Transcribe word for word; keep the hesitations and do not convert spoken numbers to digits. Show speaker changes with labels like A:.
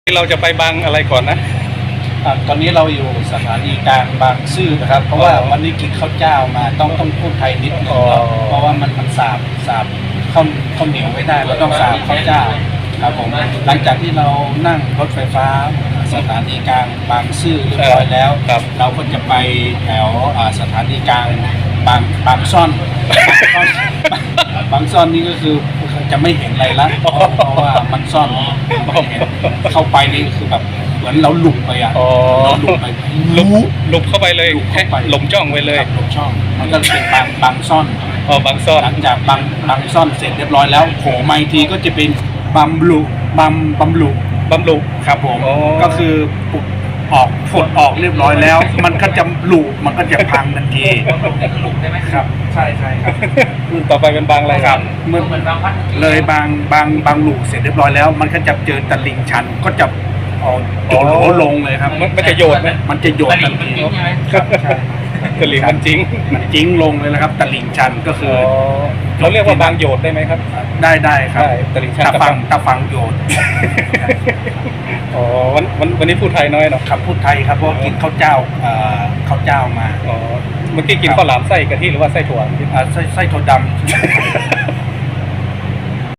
A: เราจะไปบางอะไรก่อนนะ
B: อ่าตอนนี้เราอยู่สถานีกลางบางซื่อนะครับ เพราะว่าวันนี้กินข้าวเจ้ามาต้องต้องพูดไทยนิดนึง
A: อ๋อ
B: เพราะว่ามันมันสาบสาบข้าวข้าวเหนียวไม่ได้เราต้องสาบข้าวเจ้าครับผมหลังจากที่เรานั่งรถไฟฟ้าสถานีกลางบางซื่อเรียบร้อยแล้ว
A: ครับ
B: เราก็จะไปแถวอ่าสถานีกลางบางบางซ่อน บางซ่อนนี่ก็คือจะไม่เห็นอะไรละเพราะเพราะว่ามันซ่อนไม่เห็นเข้าไปนี่คือแบบเหมือนเราหลุดไปอ่ะ
A: อ๋อ
B: เราหลุดไป
A: ลุกลุกเข้าไปเลย
B: หลุดเข้าไป
A: หลงจ้องไปเลย
B: ครับหลงช่อง มันก็เป็นบางบางซ่อน
A: อ๋อบางซ่อน
B: หลังจากบางบางซ่อนเสร็จเรียบร้อยแล้วโผล่มาอีกทีก็จะเป็นบัมบลูบัมบัมบลู
A: บำรุง
B: ครับผม
A: อ๋อ
B: ก็คือปุดออกผดออกเรียบร้อยแล้ว มันก็จะหลุมันก็จะพังทันทีครับใช่ใช่ครับ
A: ต่อไปเป็นบางอะไร
B: ครับเมื่อเลยบางบางบางหลูเสร็จเรียบร้อยแล้ว มันก็จะเจอตลิ่งชันก็จะเอาโจโหลลงเลยครับ
A: มันมันจะโยนไหม
B: มันจะโยนทันทีครับใช่
A: ตะหลิงมันจริง
B: มันจิ้งลงเลยนะครับตลิ่งชันก็คือ
A: อ๋อเราเรียกว่าบางโยดได้ไหมครับ
B: ได้ได้ครับ
A: ได้ตลิ่งชัน
B: ตา
A: กับ
B: ฟั
A: บาง ง
B: ตาฟังโยน
A: อ๋อวันวันวันนี้พูดไทยน้อยเนาะ
B: ครับพูดไทยครับเพราะว่ากินข้าวเจ้าเอ่อข้าวเจ้ามา
A: อ๋อเมื่อกี้กินข้าวหลามไส้กะทิหรือว่าไส้ถั่ว
B: อ่าไส้ไส้ถั่วดำ